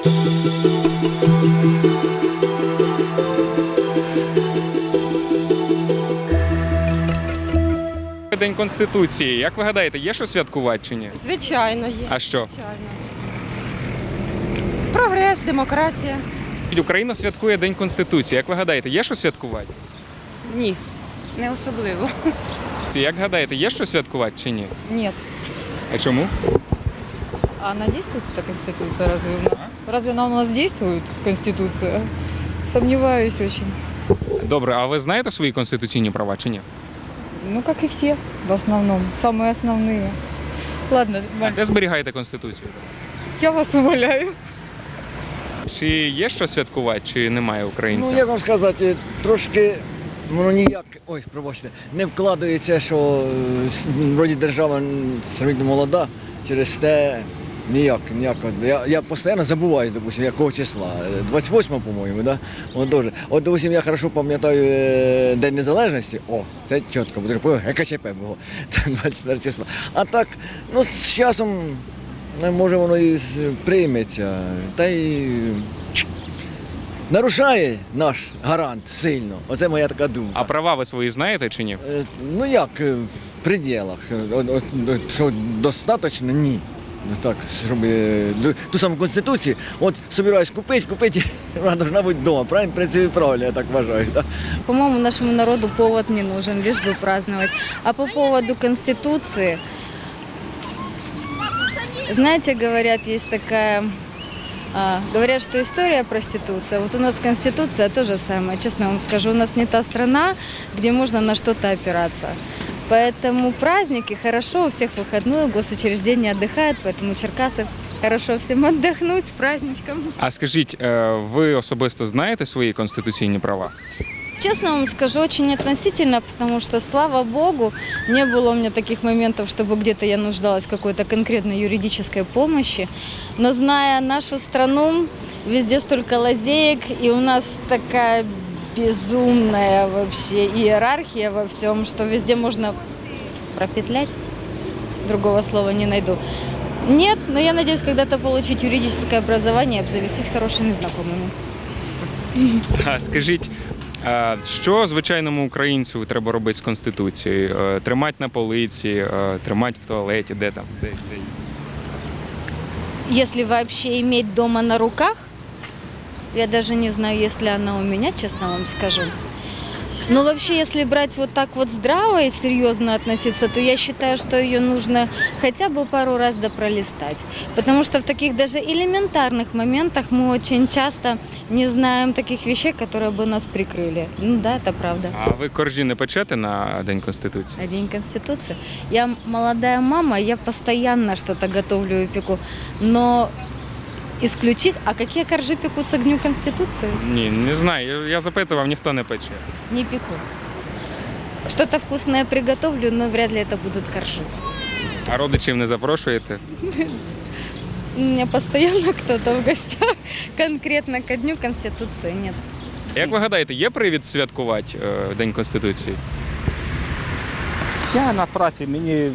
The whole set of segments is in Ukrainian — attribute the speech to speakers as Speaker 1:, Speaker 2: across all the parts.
Speaker 1: День Конституції. Як ви гадаєте, є що святкувати чи ні?
Speaker 2: Звичайно, є.
Speaker 1: А що?
Speaker 2: Звичайно. Прогрес, демократія.
Speaker 1: Україна святкує День Конституції. Як ви гадаєте, є що святкувати?
Speaker 3: Ні, не особливо.
Speaker 1: Як гадаєте, є що святкувати чи ні?
Speaker 3: Нет.
Speaker 1: А чому?
Speaker 3: А она действует, эта конституция, разве у нас? Разве она у нас действует, конституция? Сомневаюсь очень.
Speaker 1: Добре, а ви знаєте свої конституційні права чи ні?
Speaker 3: Ну, как и все, в основном. Самые основные. Ладно,
Speaker 1: А де зберігаєте Конституцію?
Speaker 3: я вас умоляю.
Speaker 1: Чи є що святкувати, чи немає українців?
Speaker 4: Ну, як вам сказати, трошки воно ніяк, пробачте, не вкладається, що вроді держава сравнительно молода, через те ніяк. Я постійно забуваю, допустим, якого числа. 28, по-моєму, да? От, допустим, я хорошо пам'ятаю День Незалежності, це чітко, бо ГКЧП було, 24 числа. А так, ну, з часом, може, воно і прийметься, та й нарушає наш гарант сильно. Оце моя така думка.
Speaker 1: А права ви свої знаєте чи ні?
Speaker 4: Ну як, в пределах. Що достатньо? Ні. Так, щоб ту саму Конституцію, собираюсь купити, вона должна бути вдома. Правильно? В принципі, правильно, я так вважаю. Да?
Speaker 5: По-моему, нашему народу повод не нужен, лишь бы праздновать. А по поводу Конституции, знаете, говорят, есть такая... Говорят, что история проституция. Вот у нас Конституция то же самое. Честно вам скажу, у нас не та страна, где можно на что-то опираться. Поэтому праздники хорошо, у всех выходной, госучреждения отдыхают, поэтому Черкасы хорошо всем отдохнуть с праздничком.
Speaker 1: А скажіть, ви особисто знаєте свої конституційні права?
Speaker 5: Честно вам скажу, очень относительно, потому что, слава богу, не было у меня таких моментов, чтобы где-то я нуждалась в какой-то конкретной юридической помощи. Но зная нашу страну, везде столько лазеек, и у нас такая безумная вообще иерархия во всем, что везде можно пропетлять. Другого слова не найду. Нет, но я надеюсь когда-то получить юридическое образование и обзавестись хорошими знакомыми.
Speaker 1: А скажіть, що звичайному українцю треба робити з Конституцією? Тримати на полиці, тримати в туалеті, де там? Де?
Speaker 5: Если вообще иметь дома на руках, я даже не знаю, есть ли она у меня, честно вам скажу. Но вообще, если брать вот так вот здраво и серьезно относиться, то я считаю, что ее нужно хотя бы пару раз допролистать. Потому что в таких даже элементарных моментах мы очень часто не знаем таких вещей, которые бы нас прикрыли. Ну да, это правда.
Speaker 1: А ви коржі не печете на День Конституції?
Speaker 5: А День Конституции? Я молодая мама, я постоянно что-то готовлю и пеку. Но исключить... А какие коржи пекутся к Дню Конституции?
Speaker 1: Ні, не знаю. Я запитував, ніхто не пече.
Speaker 5: Не пеку. Что-то вкусное приготовлю, но вряд ли это будут коржи.
Speaker 1: А родичів не запрошуєте?
Speaker 5: У меня постоянно кто-то в гостях. Конкретно ко Дню Конституции нет.
Speaker 1: Як ви гадаєте, є привід святкувати День Конституції?
Speaker 6: Я на праці, я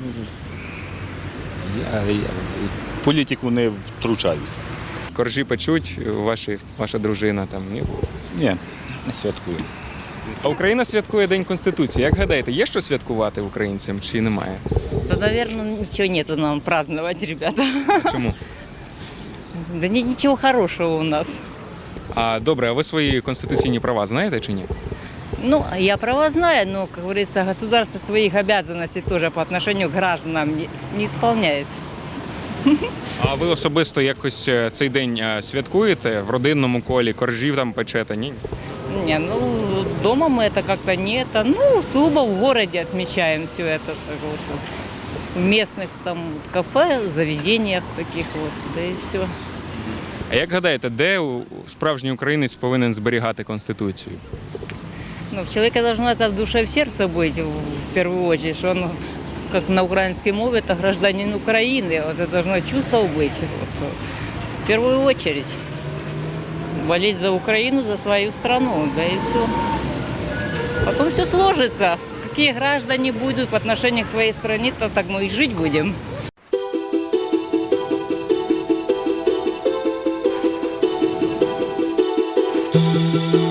Speaker 6: в політику не втручаюся.
Speaker 1: Коржі печуть, ваша дружина там, ні?
Speaker 6: Ні, не святкую.
Speaker 1: А Україна святкує День Конституції. Як гадаєте, є що святкувати українцям чи немає?
Speaker 7: Да, наверное, ничего нету нам праздновать, ребята.
Speaker 1: А чому?
Speaker 7: Да ничего хорошего у нас.
Speaker 1: А добре, а ви свої конституційні права знаєте чи ні?
Speaker 7: Ну, я права знаю, но, как говорится, государство своих обязанностей тоже по отношению к гражданам не исполняет.
Speaker 1: А ви особисто якось цей день святкуєте в родинному колі, коржів там печете, ні?
Speaker 7: Не, ну, дома мы это как-то не это, ну, сугубо в городе отмечаем все это, так вот, в местных там кафе, заведениях таких вот, да и все.
Speaker 1: А як гадаєте, де справжній українець повинен зберігати Конституцію?
Speaker 7: Ну, у человека должно это в душе, в сердце быть, в первую очередь, что он, как на украинской мове, это гражданин Украины, вот это должно чувство быть, вот, в первую очередь. Болеть за Украину, за свою страну, да и все. Потом все сложится. Какие граждане будут по отношению к своей стране, то так мы и жить будем.
Speaker 8: Україна.